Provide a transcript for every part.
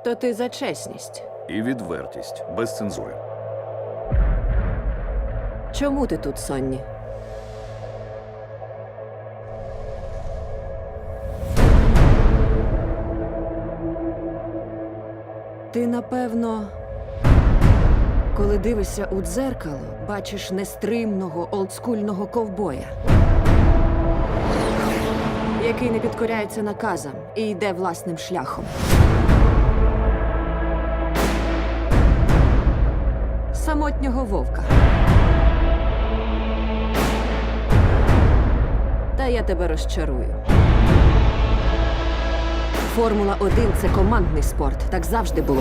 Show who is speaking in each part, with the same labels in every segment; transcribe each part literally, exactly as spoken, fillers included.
Speaker 1: То ти за чесність.
Speaker 2: І відвертість, без цензури.
Speaker 1: Чому ти тут, Сонні? Ти, напевно, коли дивишся у дзеркало, бачиш нестримного олдскульного ковбоя, який не підкоряється наказам і йде власним шляхом. Самотнього вовка. Та я тебе розчарую. Формула один – це командний спорт. Так завжди було.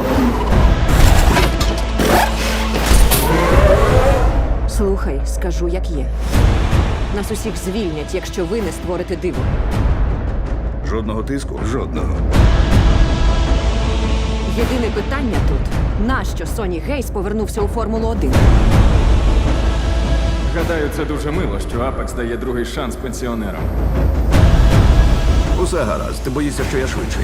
Speaker 1: Слухай, скажу, як є. Нас усіх звільнять, якщо ви не створите диво.
Speaker 2: Жодного тиску?
Speaker 3: Жодного.
Speaker 1: Єдине питання тут – нащо Соні Гейс повернувся у Формулу один?
Speaker 4: Гадаю, це дуже мило, що Апекс дає другий шанс пенсіонерам.
Speaker 3: Усе гаразд, ти боїшся, що я швидший.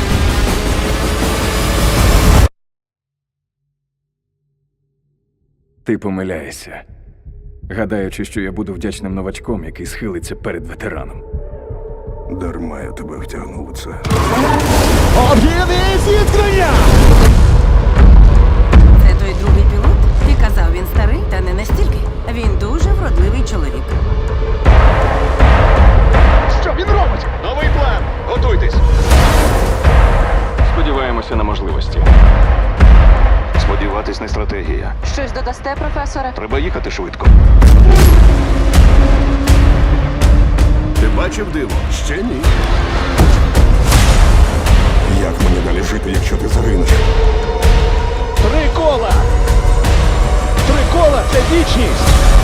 Speaker 4: Ти помиляєшся, гадаючи, що я буду вдячним новачком, який схилиться перед ветераном.
Speaker 3: Дарма я тебе втягнув у це.
Speaker 5: Об'єднує зіткнення!
Speaker 6: Це той другий пілот? Ти казав, він старий, та не настільки. Він дуже вродливий чоловік.
Speaker 5: Що він робить? Новий план! Готуйтесь!
Speaker 4: Сподіваємося на можливості.
Speaker 3: Сподіватись не стратегія.
Speaker 1: Щось додасте, професоре?
Speaker 3: Треба їхати швидко. Ти бачив диво? Ще ні. Як мені далі жити, якщо ти загинеш?
Speaker 5: Три кола! Три кола – це вічність!